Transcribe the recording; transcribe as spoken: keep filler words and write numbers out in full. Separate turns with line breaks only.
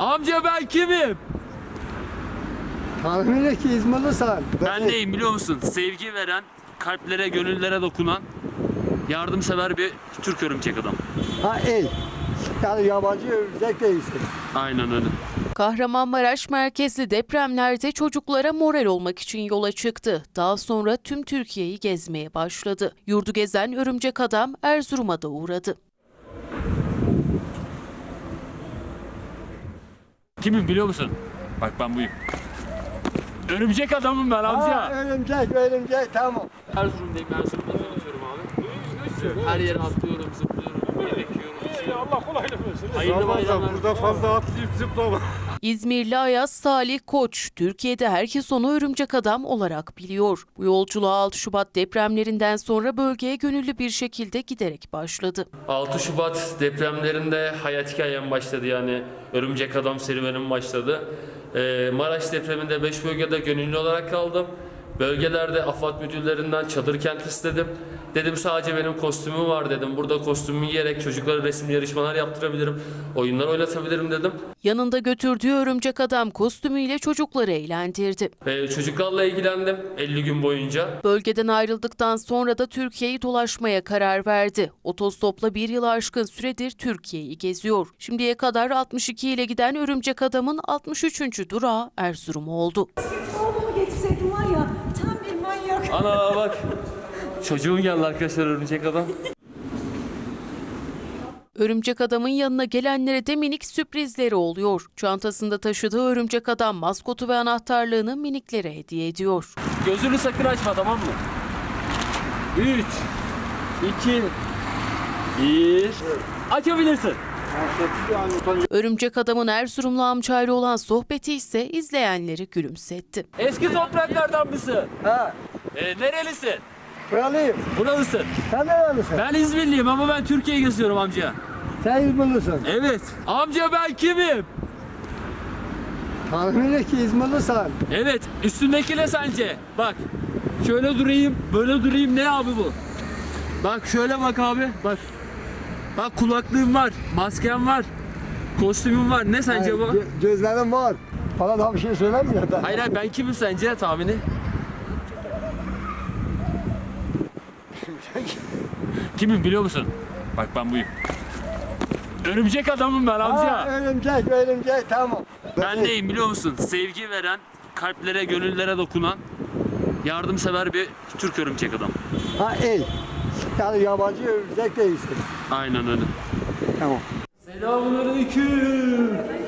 Amca ben kimim?
Tahmin et ki İzmirlisin.
Ben neyim biliyor musun? Sevgi veren, kalplere, gönüllere dokunan, yardımsever bir Türk örümcek adam.
Ha iyi. Yani yabancı örümcek değilsin.
Aynen öyle.
Kahramanmaraş merkezli depremlerde çocuklara moral olmak için yola çıktı. Daha sonra tüm Türkiye'yi gezmeye başladı. Yurdu gezen örümcek adam Erzurum'a da uğradı.
Kimim biliyor musun? Bak ben buyum. Örümcek adamım ben amca.
Ha, örümcek, örümcek tamam.
Erzurum'dayım, Erzurum'da çalışıyorum abi. Her yere atlıyorum, zıplıyorum, yemek yiyorum.
Allah kolaylık versin.
Hayırlı bayramlar.
Burada fazla atlayıp zıplama.
İzmirli Ayaz Salih Koç, Türkiye'de herkes onu örümcek adam olarak biliyor. Bu yolculuğa altı Şubat depremlerinden sonra bölgeye gönüllü bir şekilde giderek başladı.
altı Şubat depremlerinde hayat hikayem başladı, yani örümcek adam serüvenim başladı. Ee, Maraş depreminde beş bölgede gönüllü olarak kaldım. Bölgelerde AFAD müdürlerinden çadır kent istedim. Dedim sadece benim kostümüm var dedim. Burada kostümümü giyerek çocuklara resim yarışmalar yaptırabilirim. Oyunlar oynatabilirim dedim.
Yanında götürdüğü örümcek adam kostümüyle çocukları eğlendirdi.
Ee, çocuklarla ilgilendim elli gün boyunca.
Bölgeden ayrıldıktan sonra da Türkiye'yi dolaşmaya karar verdi. Otostopla bir yıl aşkın süredir Türkiye'yi geziyor. Şimdiye kadar altmış iki ile giden örümcek adamın altmış üçüncü durağı Erzurum oldu.
Oğlumu getirseydim var ya, tam bir manyak.
Ana bak. Çocuğum geldi arkadaşlar, örümcek adam.
Örümcek adamın yanına gelenlere de minik sürprizleri oluyor. Çantasında taşıdığı örümcek adam maskotu ve anahtarlığını miniklere hediye ediyor.
Gözünü sakın açma, tamam mı? üç, iki, bir. Açabilirsin.
Örümcek adamın Erzurumlu amcayla olan sohbeti ise izleyenleri gülümsetti.
Eski topraklardan mısın?
Ha,
Ee, nerelisin?
buralıyım.
Buralısın.
Sen nerelisin?
Ben İzmirliyim ama ben Türkiye'yi geziyorum amca.
Sen İzmirlisin.
Evet. Amca ben kimim?
Tahmin et ki İzmirlisin.
Evet. Üstündeki ne sence? Bak. Şöyle durayım, böyle durayım. Ne abi bu? Bak şöyle bak abi. Bak. Bak kulaklığım var, maskem var, kostümüm var. Ne sence bu?
Gö- gözlerim var. Bana daha bir şey söylemiyor da.
Hayır hayır, ben kimim sence tahmini? Kimim biliyor musun? Bak ben buyum. Örümcek adamım ben amca.
Ha, örümcek, örümcek tamam.
Ben neyim biliyor musun? Sevgi veren, kalplere, gönüllere dokunan, yardımsever bir Türk örümcek adam.
Ha iyi. Yani yabancı örümcek değilsin.
Aynen öyle.
Tamam.
Selamünaleyküm.